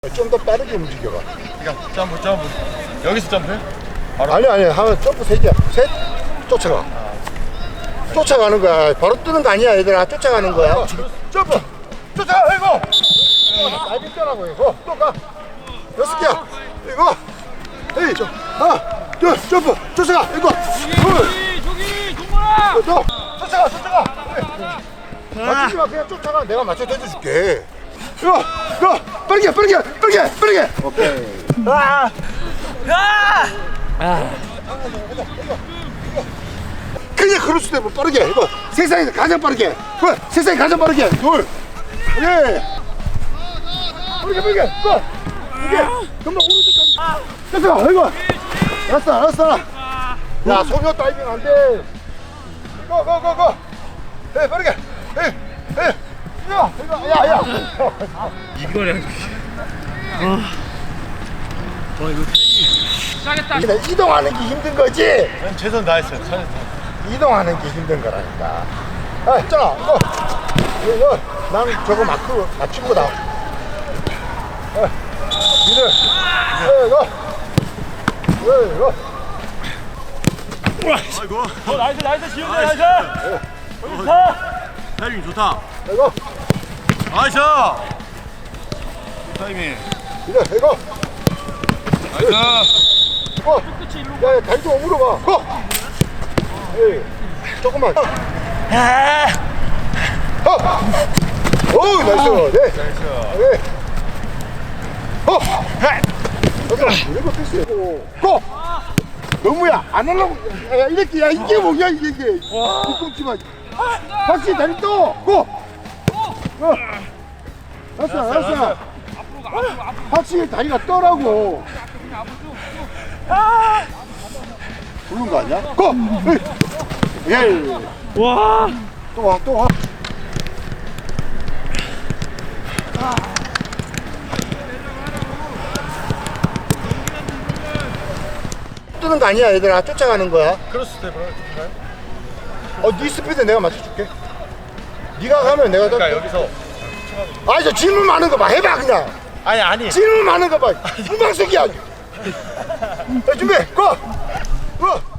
좀 더 빠르게 움직여봐. 그러니까 점프. 여기서 점프해? 바로? 아니 하면 점프 3개야. 셋, 쫓아가. 쫓아가는 거야. 바로 뜨는 거 아니야 얘들아. 쫓아가는 거야. 점프. 쫓아가. 이거. 나이빙 떠라고 이거. 또 가. 6개야. 이거. 에이. 하나, 둘, 점프. 쫓아가. 이거. 저기 동건아. 또. 쫓아가. 맞추지 마. 그냥 쫓아가. 내가 맞춰 던져줄게. 이거. 빠르게. 오케이. 그냥 그럴 수도 있고 빠르게 이거 세상에서 가장 빠르게 세상에 가장 빠르게 둘 예. 빠르게 고 이게 금방 오른쪽까지 됐어 이거 알았어 야 소녀 다이빙 안돼 고 예 빠르게 예 이거 야야 이거래. 시작했다. 이동하는 게 힘든 거지 난 최선 다했어요. 이동하는 게 힘든 거라니까. 아, 있잖아. 이거 나는 저거 마크 맞추고 나. 니들. 이거. 아이고. 나이스 지훈이 나이스. 타이밍 좋다. 이거. 나이스. 타이밍. 이거. 나이스. 야, 다리 좀 오므려봐. 고. 에이, 조금만. 오, 나이스. 네. 네. 이거 패스해. 고. 너무야. 안 하려고. 야, 이렇게. 야, 이게 뭐야, 이게. 뒤꿈치 마. 확실히 다리 또. 고. 알았어. 확실히 다리가 떠라고. 부른 거 아니야? 고! 예. 와. 또 와. 뜨는 거 아니야, 얘들아. 쫓아가는 거야. 크로스 스텝으로 네 스피드 내가 맞춰줄게. 네가 가면 내가 그러니까 여기서 아니, 저 질문 많은 거 봐. 해봐, 그냥. 아니. 질문 많은 거 봐. 후방석이야. 준비, 고!